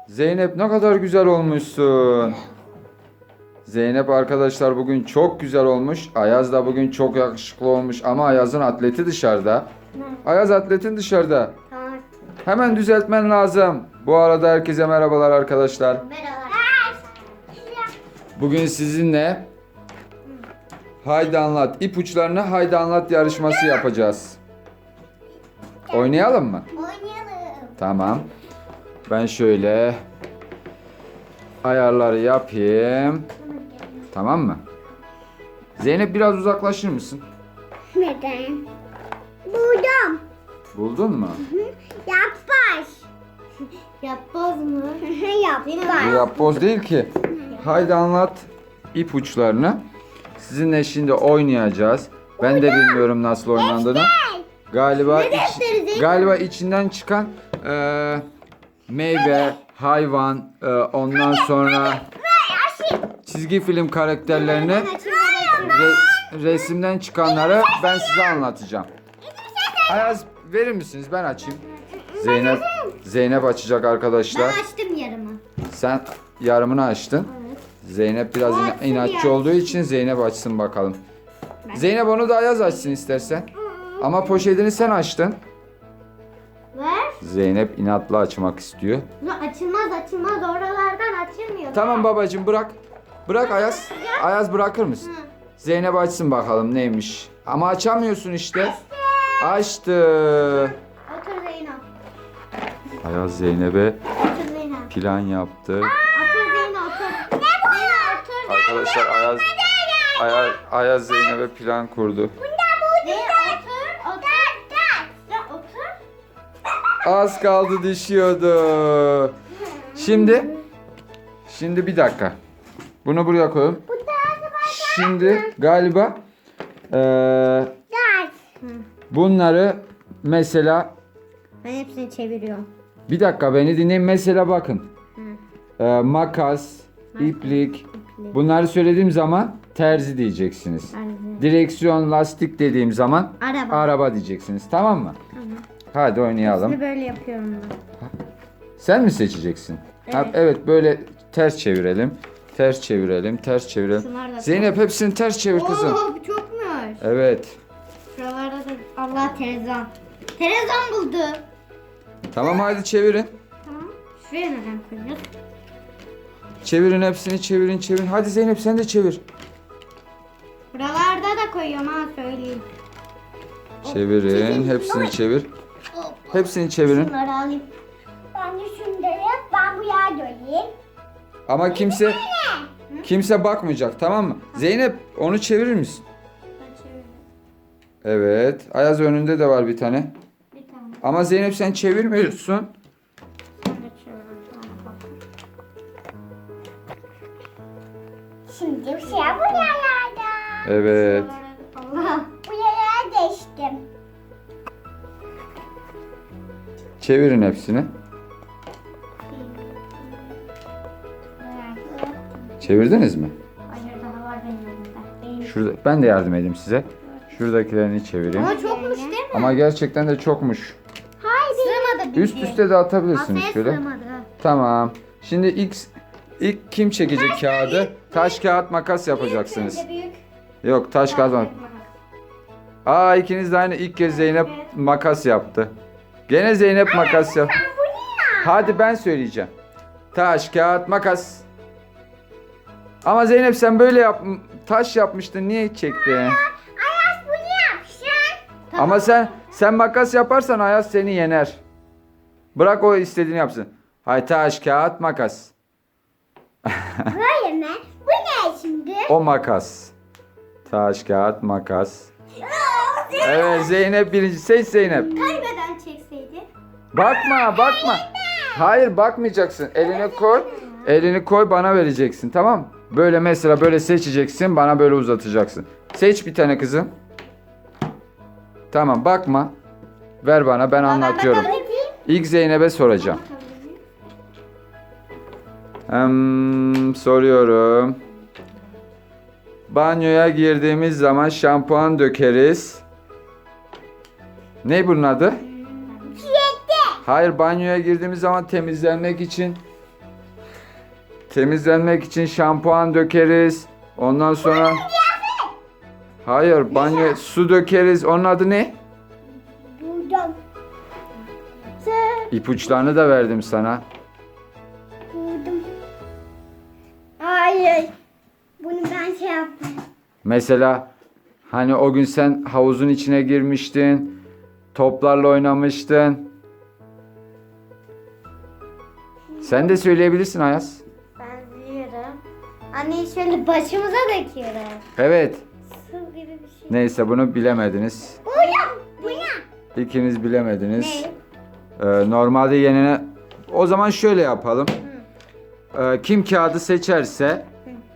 Zeynep ne kadar güzel olmuşsun. Zeynep arkadaşlar bugün çok güzel olmuş. Ayaz da bugün çok yakışıklı olmuş ama Ayaz'ın atleti dışarıda. Ayaz atletin dışarıda. Tamam. Hemen düzeltmen lazım. Bu arada herkese merhabalar arkadaşlar. Merhaba. Bugün sizinle Haydi Anlat, ipuçlarını Haydi Anlat yarışması yapacağız. Oynayalım mı? Oynayalım. Tamam. Ben şöyle ayarları yapayım. Tamam mı? Zeynep biraz uzaklaşır mısın? Neden? Buldum. Buldun mu? Yapboz. Yapboz mu? Yapboz. Bu yapboz değil ki. Haydi Anlat ipuçlarını. Sizinle şimdi oynayacağız. Ben de bilmiyorum nasıl oynandığını. Galiba galiba içinden çıkan meyve, hayvan, ondan sonra çizgi film karakterlerini resimden çıkanları ben size anlatacağım. Ayaz verir misiniz? Ben açayım. Zeynep açacak arkadaşlar. Ben açtım yarımı. Sen yarımını açtın. Evet. Zeynep biraz açsın inatçı ya. olduğu için Zeynep açsın bakalım. Zeynep onu da Ayaz açsın istersen. Ama poşetini sen açtın. Ver. Zeynep inatla açmak istiyor. Açılmaz oralardan açılmıyor. Tamam babacığım bırak. Bırak Ayaz. Ayaz bırakır mısın? Zeynep açsın bakalım neymiş. Ama açamıyorsun işte. Açtı. Otur Zeynep. Ayaz Zeynep'e Otur Zeynep. plan yaptı. Otur Zeynep otur. Ne bu? Zeynep otur. Arkadaşlar Ayaz Zeynep'e plan kurdu. Zeynep otur. Otur. Otur. Az kaldı düşüyordu. Şimdi bir dakika. Bunu buraya koyalım. Şimdi galiba bunları mesela Ben hepsini çeviriyorum. bir dakika beni dinleyin. Mesela bakın. Makas, iplik. Bunları söylediğim zaman terzi diyeceksiniz. Direksiyon, lastik dediğim zaman Araba. araba diyeceksiniz. Tamam mı? Hadi oynayalım. Şimdi böyle yapıyorum ben. Sen mi seçeceksin? Evet. Evet böyle ters çevirelim. Ters çevirelim. Ters çevirelim. Şunlar da Zeynep hepsini ters çevir kızım. Oo, bu çokmuş. Evet. Şuralarda da Allah televizyon. Televizyon buldu. Tamam hadi çevirin. Tamam. Şuraya neden koyuyoruz? Çevirin hepsini çevirin. Hadi Zeynep sen de çevir. Buralarda da koyuyorum ha söyleyeyim. Çevirin. Hepsini çevir. Hepsini çevirin. Şunları alayım. Ben de şunları ben bu yağ göreyim. Ama kimse bakmayacak tamam mı? Zeynep onu çevirir misin? Ben çeviriyorum. Evet. Ayaz önünde de var bir tane. Bir tane. Ama Zeynep sen çevirmiyorsun. Sen de çeviriyorum. Tamam, bak. Şimdi bir şey bu yerlerde. Evet. Allah. Bu yerlere değiştim. Çevirin hepsini. Çevirdiniz mi? Hayır daha var benim elimde. Şurada ben de yardım edeyim size. Şuradakilerini çevireyim. Ama çokmuş değil mi? Ama gerçekten de çokmuş. Hayır. Sığmadı Üst üste de atabilirsiniz Masaya şöyle. sığmadı. Tamam. Şimdi ilk kim çekecek kağıdı? Taş kağıt makas yapacaksınız. Önce büyük. Yok taş kağıt makas. Aa ikiniz de aynı ilk kez Zeynep makas yaptı. Gene Zeynep makas yap. Hadi ben söyleyeceğim. Taş kağıt makas. Ama Zeynep sen böyle taş yapmıştın niye çektin? Ayaz bunu yapsın. Ama sen makas yaparsan Ayaz seni yener. Bırak o istediğini yapsın. Hay taş kağıt makas. Böyle mi? Bu ne şimdi? O makas. Taş kağıt makas. Evet Zeynep birinci. Seç Zeynep. Kaybeden çekseydi. Bakma. Hayır bakmayacaksın. Elini koy bana vereceksin tamam mı? Böyle mesela böyle seçeceksin bana böyle uzatacaksın. Seç bir tane kızım. Tamam bakma. Ver bana ben anlatıyorum. İlk Zeynep'e soracağım. Soruyorum. Banyoya girdiğimiz zaman şampuan dökeriz. Ne bunun adı? Hayır banyoya girdiğimiz zaman temizlenmek için Temizlenmek için şampuan dökeriz. Ondan sonra... Hayır, banyo su dökeriz. Onun adı ne? Buldum. İpuçlarını da verdim sana. Buldum. Hayır. Bunu ben şey yaptım. Mesela hani o gün sen havuzun içine girmiştin. Toplarla oynamıştın. Sen de söyleyebilirsin Ayaz. Ben biliyorum. Anne şöyle başımıza döküyorum. Evet. Su gibi bir şey. Neyse bunu bilemediniz. Buldum. Bu ne? İkiniz bilemediniz. Ne? Normalde yenene... O zaman şöyle yapalım. Kim kağıdı seçerse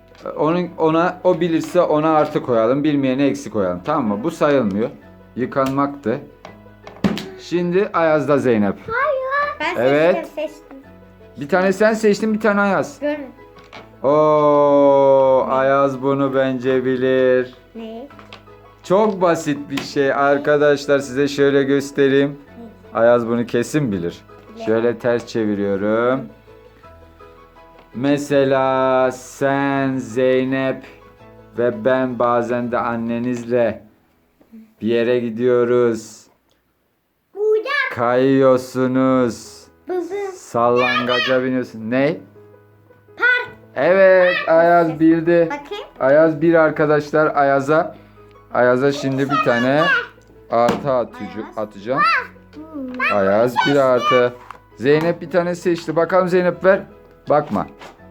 o bilirse ona artı koyalım. Bilmeyene eksi koyalım. Tamam mı? Bu sayılmıyor. Yıkanmaktı. Şimdi Ayaz'da Zeynep. Ben Evet. seçtim. Bir tane sen seçtin, bir tane Ayaz. Görün. Oo, Ayaz bunu bence bilir. Ne? Çok basit bir şey arkadaşlar, size şöyle göstereyim. Ayaz bunu kesin bilir. Şöyle ters çeviriyorum. Mesela sen, Zeynep ve ben bazen de annenizle bir yere gidiyoruz. Burada. Kayıyorsunuz. Buldum. Sallangaca biniyorsun. Ne? Evet, Ayaz bildi. Bakayım. Ayaz bir arkadaşlar. Ayaz'a şimdi bir tane artı atacağım. Ayaz bir artı. Zeynep bir tane seçti. Bakalım Zeynep ver. Bakma.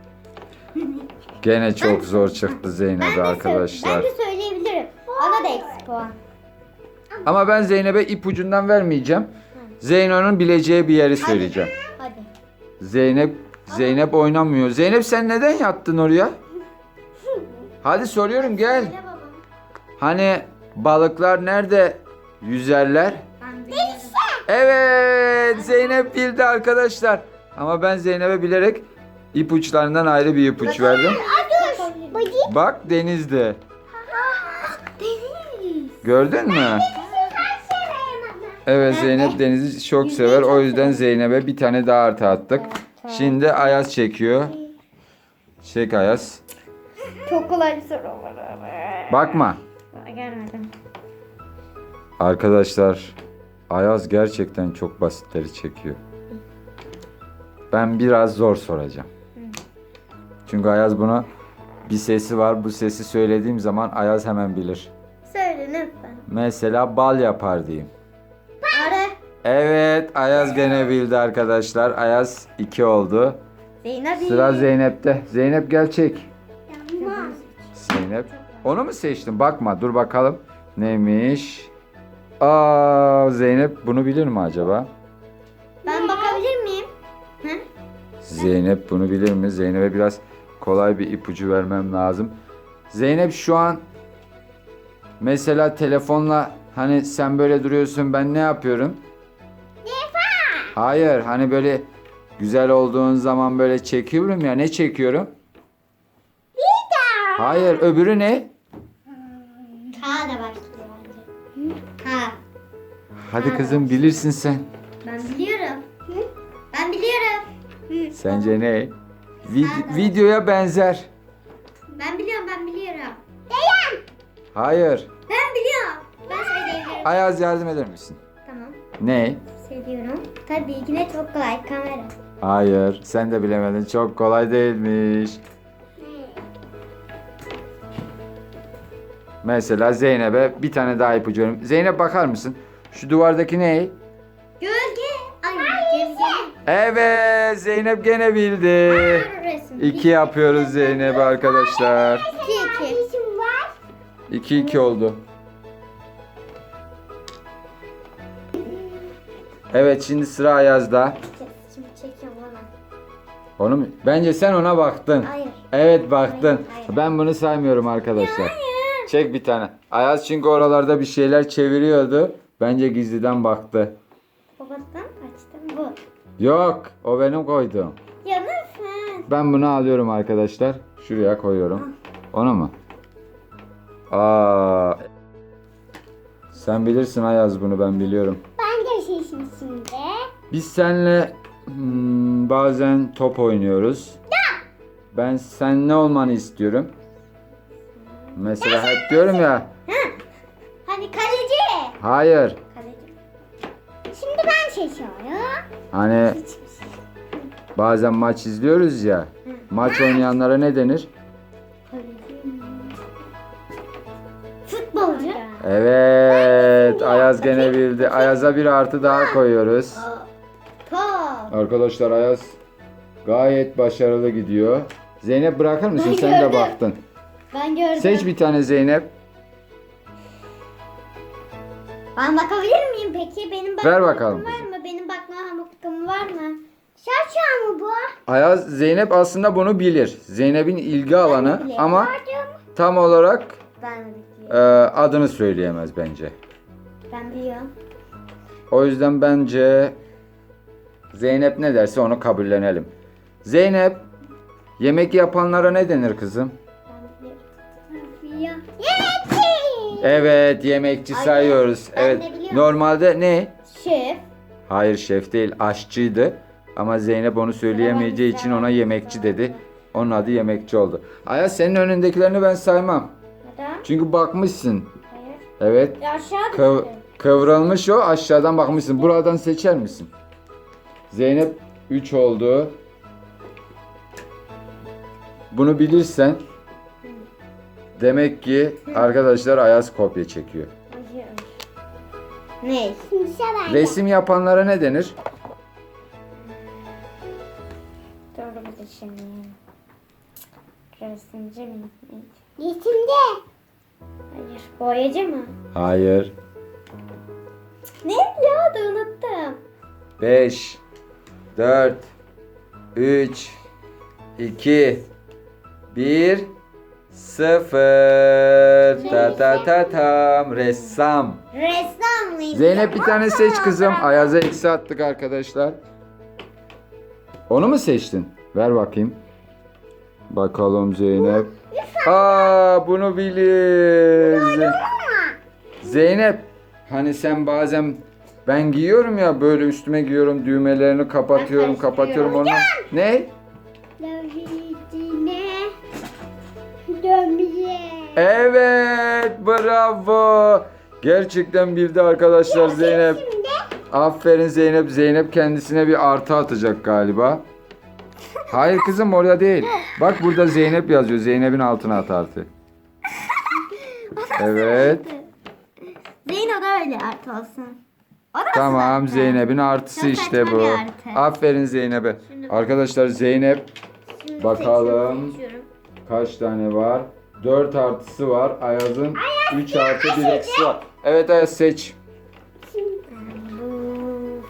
Gene çok zor çıktı Zeynep'e arkadaşlar. Ben de söyleyebilirim. Bana da eksi puan. Ama ben Zeynep'e ipucundan vermeyeceğim. Zeyno'nun bileceği bir yeri söyleyeceğim. Hadi. Zeynep oynamıyor. Zeynep sen neden yattın oraya? Hadi soruyorum gel. Söyle babam. Hani balıklar nerede yüzerler? Ben biliyorum. Evet, Zeynep bildi arkadaşlar. Ama ben Zeynep'e bilerek ipuçlarından ayrı bir ipuç verdim. Bakayım. Bak denizde. Deniz. Gördün mü? Evet, Zeynep denizi çok sever. O yüzden Zeynep'e bir tane daha artı attık. Şimdi Ayaz çekiyor. Çek Ayaz. Çok kolay bir soru var. Bakma. Görmedim. Arkadaşlar, Ayaz gerçekten çok basitleri çekiyor. Ben biraz zor soracağım. Çünkü Ayaz buna bir sesi var. Bu sesi söylediğim zaman Ayaz hemen bilir. Söyle lütfen. Mesela bal yapar diyeyim. Arı. Evet, Ayaz gene bildi arkadaşlar. Ayaz 2 oldu. Zeynep. Sıra Zeynep'te. Zeynep gel çek. Yanmaz. Zeynep. Onu mu seçtin? Bakma, dur bakalım. Neymiş? Aa, Zeynep bunu bilir mi acaba? Ben bakabilir miyim? Hı? Zeynep bunu bilir mi? Zeynep'e biraz kolay bir ipucu vermem lazım. Zeynep şu an mesela telefonla hani sen böyle duruyorsun, ben ne yapıyorum? Hayır, hani böyle güzel olduğun zaman böyle çekiyorum ya, ne çekiyorum? Hayır, öbürü ne? K da başlıyor bence. K. Hadi kızım, bilirsin sen. Ben biliyorum. Hı? Ben biliyorum. Hı. Sence ne? Videoya benzer. Ben biliyorum. Hayır. Ben biliyorum. Ben söyleyebilirim. Ayaz yardım eder misin? Tamam. Ne? Söylüyorum. Tabii ki de çok kolay. Kamera. Hayır, sen de bilemedin. Çok kolay değilmiş. Mesela Zeynep'e bir tane daha ipucu veriyorum. Zeynep bakar mısın? Şu duvardaki ne? Gölge. Ay, gölge. Evet, Zeynep gene bildi. Resim. 2 yapıyoruz Zeynep arkadaşlar. 2-2. 2-2 oldu. Evet, şimdi sıra Ayaz'da. Şimdi çekiyorum ona. Onu mu? Bence sen ona baktın. Hayır. Evet, baktın. Hayır. Ben bunu saymıyorum arkadaşlar. Çek bir tane. Ayaz çünkü oralarda bir şeyler çeviriyordu. Bence gizliden baktı. Babadan açtım bu. Yok, o benim koyduğum. Ya nasıl? Ben bunu alıyorum arkadaşlar. Şuraya koyuyorum. Onu mu? Aa. Sen bilirsin Ayaz, bunu ben biliyorum. Ben de seçim şimdi. Biz seninle bazen top oynuyoruz. Ben sen ne olmanı istiyorum? Mesela hep diyorum ya. Hani kaleci. Hayır. Kaleci. Şimdi ben seçiyorum. Hani bazen maç izliyoruz ya. Maç oynayanlara ne denir? Futbolcu. Evet. Ayaz gene bildi. Ayaz'a bir artı daha koyuyoruz. Top. Arkadaşlar Ayaz gayet başarılı gidiyor. Zeynep bırakır mısın? Ben Sen de gördüm. baktın. Ben gördüm. Seç bir tane Zeynep. Ben bakabilir miyim peki? Benim bakma Ver bakalım hakkım var mı? Benim bakma hakkım var mı? Şaşa mı bu? Ayaz, Zeynep aslında bunu bilir. Zeynep'in ilgi alanı biliyorum. ama Gördüm. tam olarak Ben de biliyorum. adını söyleyemez bence. Ben biliyorum. O yüzden bence Zeynep ne derse onu kabullenelim. Zeynep, yemek yapanlara ne denir kızım? Ben biliyorum. Yemekçi. Evet, yemekçi Ay, sayıyoruz. ben Evet. de biliyorum. Normalde ne? Şef. Hayır, şef değil, aşçıydı. Ama Zeynep onu söyleyemeyeceği için ona yemekçi dedi. Onun adı yemekçi oldu. Ayaz, senin önündekilerini ben saymam. Neden? Çünkü bakmışsın. Hayır. Evet. Aşağı düştü. Kıvrılmış o, aşağıdan bakmışsın. Buradan seçer misin? Zeynep 3 oldu. Bunu bilirsen demek ki arkadaşlar Ayaz kopya çekiyor. Hayır. Ne? Şimdi ben. Resim yapanlara ne denir? Doğru bir de şimdi. Resimci mi? Resimde. Hayır. Boyacı mı? Hayır. Ne ya da unuttum. 5 4 3 2 1 0 Ta ta ta tam ressam. Ressam mıydı? Zeynep bir tane seç kızım. Ayaz'a eksi attık arkadaşlar. Onu mu seçtin? Ver bakayım. Bakalım Zeynep. Aa, bunu bilir. Zeynep, hani sen bazen ben giyiyorum ya, böyle üstüme giyiyorum, düğmelerini kapatıyorum, Ben kapatıyorum onu. Ne? Dövüşüne dönmeye. Evet, bravo. Gerçekten bildi arkadaşlar Zeynep. Şimdi Aferin Zeynep. Zeynep kendisine bir artı atacak galiba. Hayır kızım, oraya değil. Bak burada Zeynep yazıyor. Zeynep'in altına at artı. Evet. Zeyno da öyle artı olsun. O da Tamam, zaten. Zeynep'in artısı Çok işte saçma bu. bir artı. Aferin Zeynep'e. Arkadaşlar Zeynep Şimdi bakalım. seçiyorum. kaç tane var? 4 artısı var. Ayaz'ın 3 artı 1 eksi var. Evet Ayaz, seç. Bu unuttum.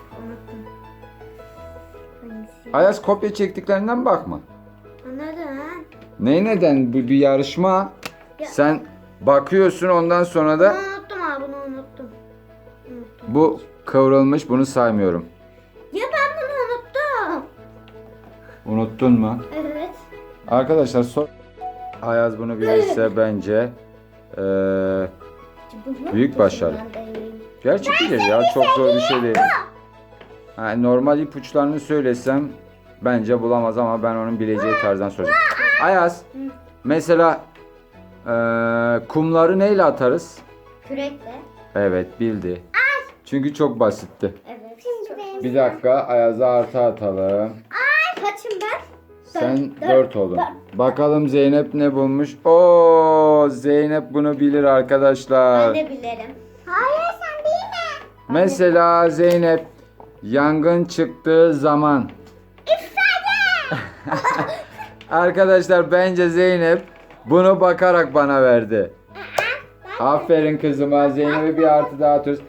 Hangisi? Ayaz, kopya çektiklerinden bakma. Anladın? Neden? Bu bir yarışma. Ya. Sen bakıyorsun, ondan sonra da Bunu unuttum abi, bunu unuttum. bu kıvrılmış, bunu saymıyorum. Ya ben bunu unuttum. Unuttun mu? Evet. Arkadaşlar Ayaz bunu bilirse bence büyük başarı. Gerçi bilir ya, çok zor bir şey değil. Ha, normal ipuçlarını söylesem bence bulamaz ama ben onun bileceği tarzdan soracağım. Ayaz, mesela kumları neyle atarız? Kürekle. Evet, bildi. Çünkü çok basitti. Evet. Şimdi benim. Bir dakika, Ayaz'a artı atalım. Kaçım ben? Sen Dört. 4 oldun. Bakalım Zeynep ne bulmuş? Oo, Zeynep bunu bilir arkadaşlar. Ben de bilirim. Hayır sen bilme. Mesela Zeynep, yangın çıktığı zaman. Arkadaşlar bence Zeynep bunu bakarak bana verdi. Aferin kızıma, Zeynep'e bir artı daha atıyoruz.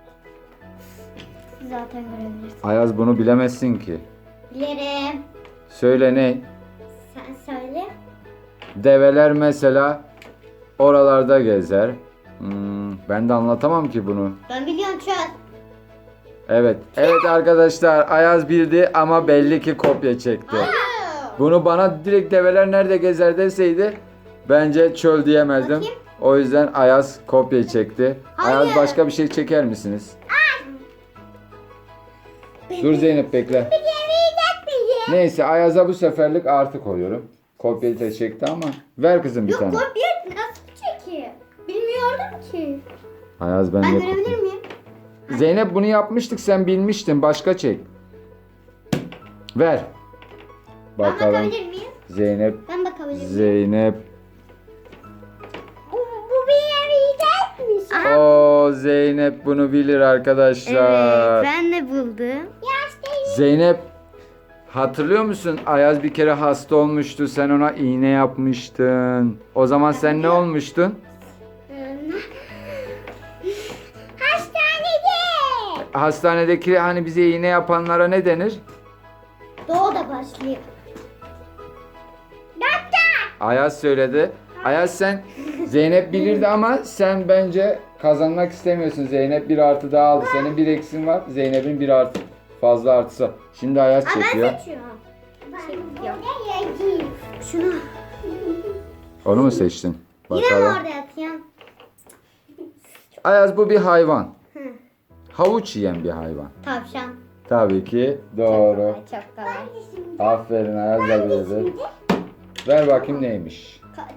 Zaten görebilirsin. Ayaz bunu bilemezsin ki. Bilirim. Söyle ne? Sen söyle. Develer mesela oralarda gezer. Ben de anlatamam ki bunu. Ben biliyorum şu an. Evet. Evet arkadaşlar, Ayaz bildi ama belli ki kopya çekti. Bunu bana direkt develer nerede gezer deseydi bence çöl diyemezdim. Bakayım. O yüzden Ayaz kopya çekti. Ayaz, Hayır. başka bir şey çeker misiniz? Dur Zeynep, bekle. Yemeyecek bizi. Neyse, Ayaz'a bu seferlik artı koyuyorum. Kopyayı da çekti ama. Ver kızım bir Yok tane. kopya nasıl çekeyim? Bilmiyordum ki. Ayaz ben Ben de görebilir miyim? Zeynep bunu yapmıştık, sen bilmiştin. Başka çek. Ver. Ben Bakalım. bakabilir miyim? Zeynep. Ben bakabilir miyim? Zeynep. Bu bir yere yiyecekmiş. Aha. O Zeynep bunu bilir arkadaşlar. Evet ben de buldum. Zeynep, hatırlıyor musun? Ayaz bir kere hasta olmuştu. Sen ona iğne yapmıştın. O zaman sen ne olmuştun? Hastanede. Hastanedeki hani bize iğne yapanlara ne denir? Doğu da başlıyor. Ayaz söyledi. Ayaz sen Zeynep bilirdi ama sen bence kazanmak istemiyorsun. Zeynep bir artı daha aldı. Senin bir eksin var. Zeynep'in bir artı fazla artısı. Şimdi Ayaz çekiyor. Ben seçiyorum. Buraya yiyeceğim. Şunu. Onu mu seçtin? Yine mi Bakalım. orada yatayım? Ayaz bu bir hayvan. Hı. Havuç yiyen bir hayvan. Tavşan. Tabii ki doğru. Çok kolay. Aferin Ayaz da bildi. Ver bakayım neymiş. Kaç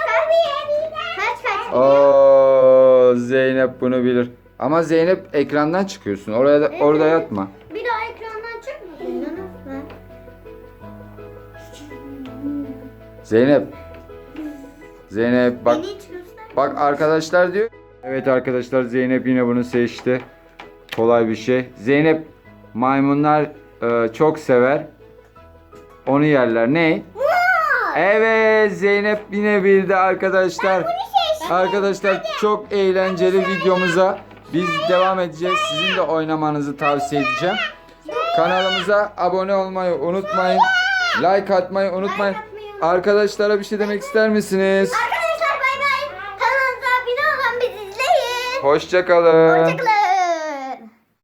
kaç? Oo Zeynep bunu bilir. Ama Zeynep ekrandan çıkıyorsun. Orada yatma. Bir daha ekrandan çıkmadın. Ben. Zeynep. Zeynep bak. Beni hiç göster. Bak arkadaşlar diyor. Evet arkadaşlar Zeynep yine bunu seçti. Kolay bir şey. Zeynep maymunlar çok sever. Onu yerler. Ne? Evet Zeynep yine bildi arkadaşlar. Arkadaşlar çok eğlenceli videomuza biz devam edeceğiz. Sizin de oynamanızı tavsiye edeceğim. Kanalımıza abone olmayı unutmayın. Like atmayı unutmayın. Arkadaşlara bir şey demek ister misiniz? Arkadaşlar bay bay. Kanalımıza abone olun, bizi izleyin. Hoşça kalın. Hoşçakalın.